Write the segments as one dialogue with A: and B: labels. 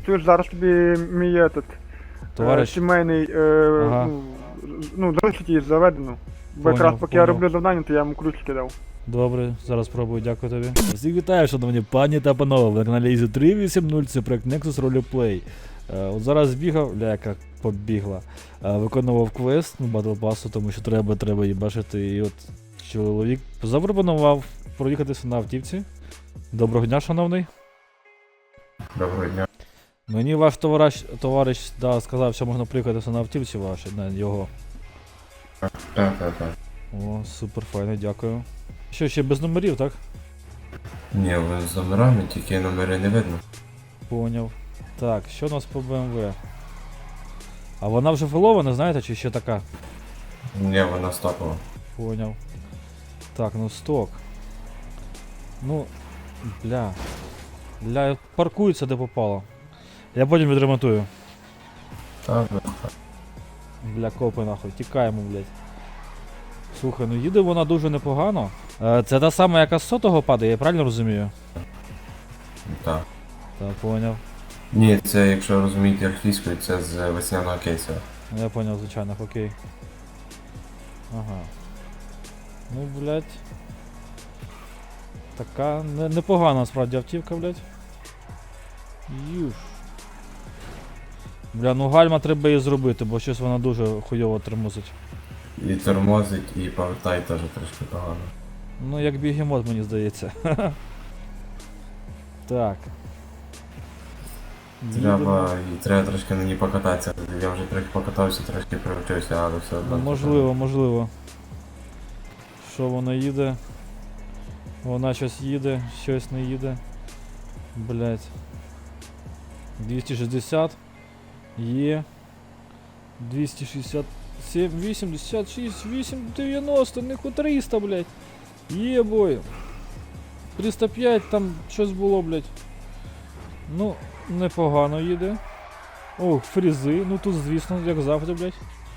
A: чуєш, зараз тобі мій
B: Товариш.
A: сімейний,
B: Ага.
A: ну, залишить її заведену. Бо якраз
B: Поняв,
A: поки я
B: поняв.
A: роблю завдання, то я йому ключики дав.
B: Добре, зараз спробую, дякую тобі. Всіх вітаю, шановні пані та панове, ви на каналі Easy 380, це проект Nexus Roleplay. От зараз бігав, яка побігла, виконував квест, Battle Pass, тому що треба їбашити, і от чоловік запропонував проїхатися на автівці. Доброго дня, шановний.
C: Доброго дня.
B: Мені ваш товариш сказав, що можна приїхатися на автівці вашій, на його.
C: Так.
B: О, супер файно, дякую. Що, ще без номерів, так?
C: Ні, ви з номерами, тільки номери не видно.
B: Поняв. Так, що у нас по BMW? А вона вже філована, знаєте, чи ще така?
C: Ні, вона стопова.
B: Поняв. Так, ну сток. Ну, бля, паркується де попало. Я потім відремонтую.
C: Так,
B: Бля, копи нахуй, тікаємо, блядь. Слухай, ну їде вона дуже непогано. Це та сама, яка з сотого падає, я правильно розумію?
C: так.
B: Так, поняв.
C: Ні, це, якщо розумієте англійською, це з весняного кейсу.
B: Я поняв, звичайно, окей. Ага. Ну, блядь. Така непогана насправді автівка, блядь. Юж. Бля, ну гальма треба її зробити, бо щось вона дуже хуйово тормозить.
C: І тормозить, і повертає теж трошки погано.
B: Ну, як бігемот, мені здається. Так. Їдемо.
C: Треба трошки на ній покататися. Я вже трохи покатався, трошки привчився, але все одно.
B: Ну, можливо. Що вона їде? Вона щось їде, щось не їде. Блять. 260. Є. 267, 86, 8, 90, ниху 300, блять. Є, бой. 305, там щось було, блять. Ну, непогано їде. Ох, фрізи, ну тут, звісно, як завжди, блять.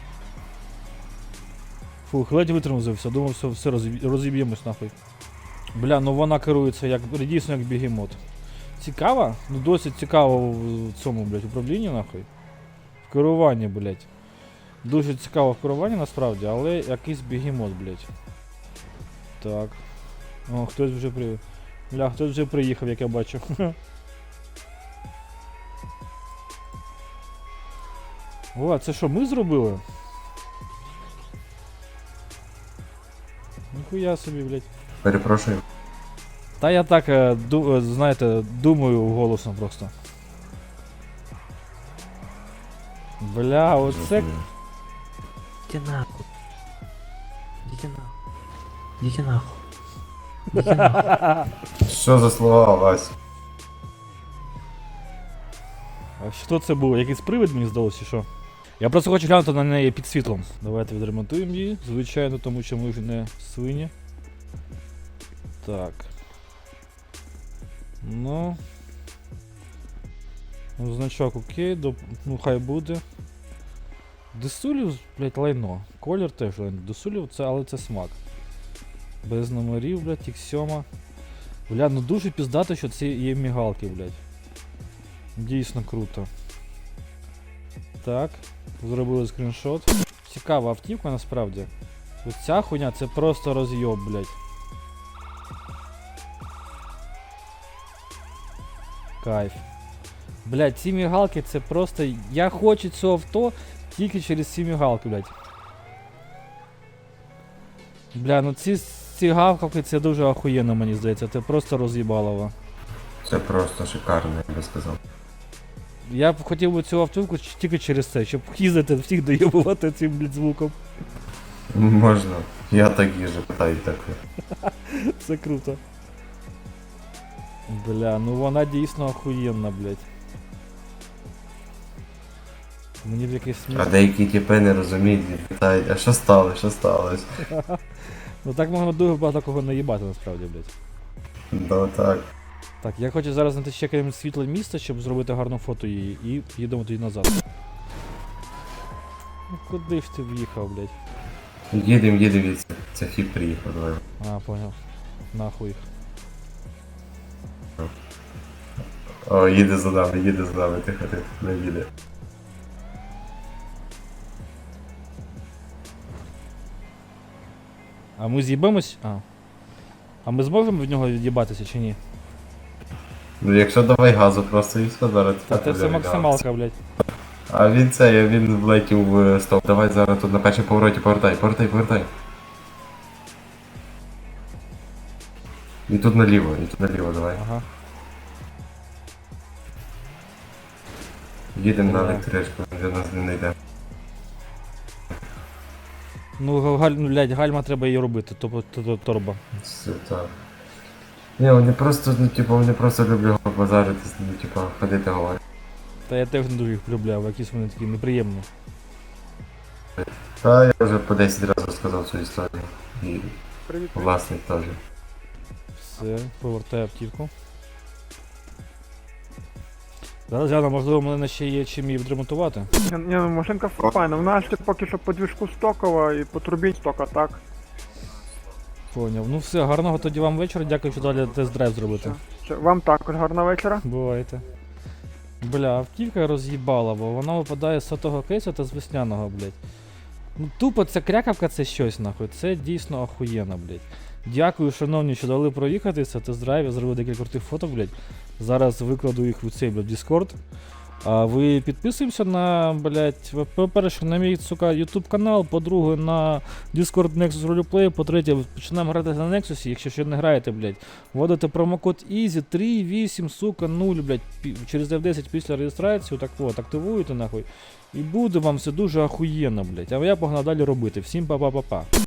B: Фух, ледь витормозився, думав, все розіб'ємось нахуй. Бля, ну вона керується як, дійсно як бігемот. Цікава? Ну досить цікаво в цьому, блять, управлінні нахуй. В керуванні, блять. Дуже цікаво в керуванні насправді, але якийсь бігемот, блять. Так. О, хтось вже приїхав, як я бачу. О, а це що, ми зробили? Ніхуя собі, блять.
C: Перепрошую.
B: Та я так, знаєте, думаю голосно просто. Бля, оце...
D: Иди нахуй. Иди нахуй. Иди нахуй. Иди нахуй.
C: Що за слова, Вась?
B: А що це було? Якийсь привид, мені здалося, чи що? Я просто хочу глянути на неї під світлом. Давайте відремонтуємо її, звичайно, тому що ми вже не свині. Так. Ну, значок окей, ну хай буде. Десулів, блять, лайно. Колір теж лайно. Десулів, але це смак. Без номерів, блять, X7. Бля, ну дуже піздато, що це є мігалки, блять. Дійсно круто. Так, зробили скріншот. Цікава автівка насправді. Ось ця хуйня це просто розйоб, блять. Кайф. Блять, ці мігалки це просто... Я хочу цього авто тільки через ці мігалки, блять. Бля, ну ці гавкавки це дуже охуєнно, мені здається. Це просто роз'їбалово.
C: Це просто шикарно, я би сказав.
B: Я б хотів би цю автівку тільки через це, щоб їздити всіх доєбувати цим, блять, звуком.
C: Можна. Я так їжу, питаю таке.
B: Це круто. Бля, ну вона дійсно охуєнна, блять. Мені в якийсь сміх.
C: А деякі типи не розуміють і питають, а що сталося?
B: Ну так можна дуже багато кого наїбати насправді, блять.
C: Да, так.
B: Так, я хочу зараз знайти ще якесь світле місце, щоб зробити гарну фото її, і їдемо тоді назад. Ну куди ж ти в'їхав, блять?
C: Їдем, це фіп приїхав, давай.
B: А, понял. Нахуй їх.
C: О, їде за нами, тихо, не їде.
B: А ми з'їбемось? А ми зможемо від нього від'їбатися чи ні?
C: Ну якщо давай газу просто і все, зараз.
B: Та це все максималка, блядь.
C: А він влетів в стоп. Давай зараз тут на першому повороті повертай. І тут наліво, давай.
B: Ага.
C: Їдемо на
B: Давай.
C: електричку, вже нас не знайде.
B: Ну, блядь, гальма треба її робити, торба.
C: Все так. Ні, вони просто люблять базаритись, ходити говорити.
B: Та я теж не дуже їх полюбляю, якісь вони такі неприємні.
C: Та я вже по 10 разів сказав цю історію. І
A: Привіт.
C: власник теж.
B: Все, повертаю автівку. Зараз гляну, можливо, в мене ще є чим її відремонтувати.
A: Ні, ну машинка файна, вона ще поки що по двіжку стокова і по турбіні стока, так?
B: Поняв. Ну все, гарного тоді вам вечора, дякую, що дали тест-драйв зробити.
A: Вам також гарного вечора.
B: Бувайте. Бля, автівка роз'їбала, бо вона випадає з сотого кейсу та з весняного, блядь. Ну тупо ця крякавка це щось, нахуй. Це дійсно охуєнно, блядь. Дякую, шановні, що дали проїхатися, тест-драйв, я зробив декілька крутих фоток, блядь. Зараз викладу їх в цей, блядь, Discord. А ви підписуємося на, блядь, по-перше, на мій, сука, YouTube канал, по-друге, на Discord Nexus Roleplay, по-третє, починаємо грати на Nexus, якщо ще не граєте, блядь. Вводите промокод EASY 38, сука, 0, блядь, через F10 після реєстрації, так от, активуєте, нахуй. І буде вам все дуже охуєнно, блядь. А я погнав далі робити. Всім па-па-па-па.